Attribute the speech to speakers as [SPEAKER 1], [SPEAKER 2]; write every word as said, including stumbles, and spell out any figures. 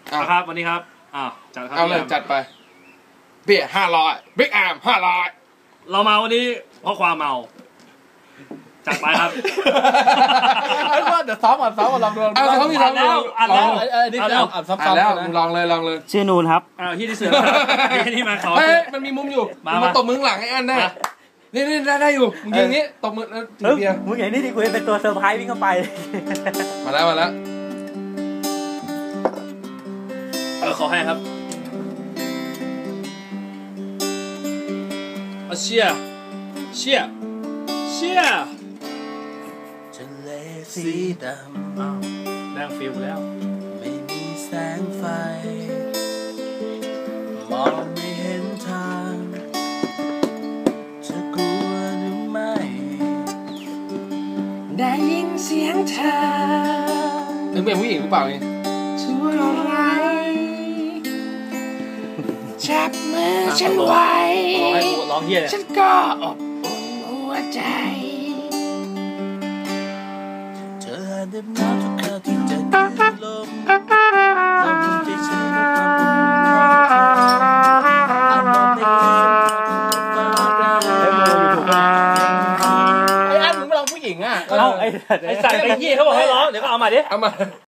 [SPEAKER 1] ครับวันนี้ครับอ้าวจัดครับ
[SPEAKER 2] เอาเลยจัดไปเบียร์ห้าร้อยบิ๊กแอมห้าร้อย
[SPEAKER 1] เรามาวันนี้เพราะความเมาจัดไปครับ
[SPEAKER 3] ไอ้ว่าเดี๋ยวซ้อมก่อนซ้อมก่อนลองดู
[SPEAKER 2] เอาซ้อมที่ซ้อม
[SPEAKER 1] แล้วอ่านแล้ว
[SPEAKER 3] อันนี้แล้วอ่านซ้อมๆ
[SPEAKER 2] แล้วลองเลยลองเลย
[SPEAKER 4] ชื่อนูนครับ
[SPEAKER 1] อ้าวที่ที่เสือที่นี่มาขอ
[SPEAKER 2] เฮ้ยมันมีมุมอยู่มาตบมือหลังไอ้อันได้นี่นี่ได้ได้อยู่มึงยิงนี้ตบมือแล้วถือเบียร์
[SPEAKER 4] มึงอย่างนี้ดิกูเป็นตัวเซอร์ไพรส์วิ่งเข้าไป
[SPEAKER 2] มาแล้วมาแล้ว
[SPEAKER 1] เออขอให้ครับเชียเชียเชีย
[SPEAKER 3] ทะเลสีดำ
[SPEAKER 1] อ้าวแรงฟิลแล้ว
[SPEAKER 3] ไม่มีแสงไฟมองไม่เห็นทางจะกลัวหรือไม่ได้ยินเสียงเธอ
[SPEAKER 2] นึกเป็นผู้หญิงหรือเปล่านี่
[SPEAKER 3] ช่วยอะไรจับมือฉันไว้
[SPEAKER 1] ร้องเฮีย
[SPEAKER 3] ฉันก็อบอุ่นหัวใจเธอเดินน้ำทุกคราวที่จะดูลมทำให้ฉันรู้ความอุ่นของเธออารมณ์ในไอ้อันมึงมาลองผู้หญิงอ่ะ
[SPEAKER 1] เอ้าไอ้ไอ้สัตว์ไอ้เหี้ยเขาบอกให้ร้องเดี๋ยวก็เอามาดิ
[SPEAKER 2] เอามา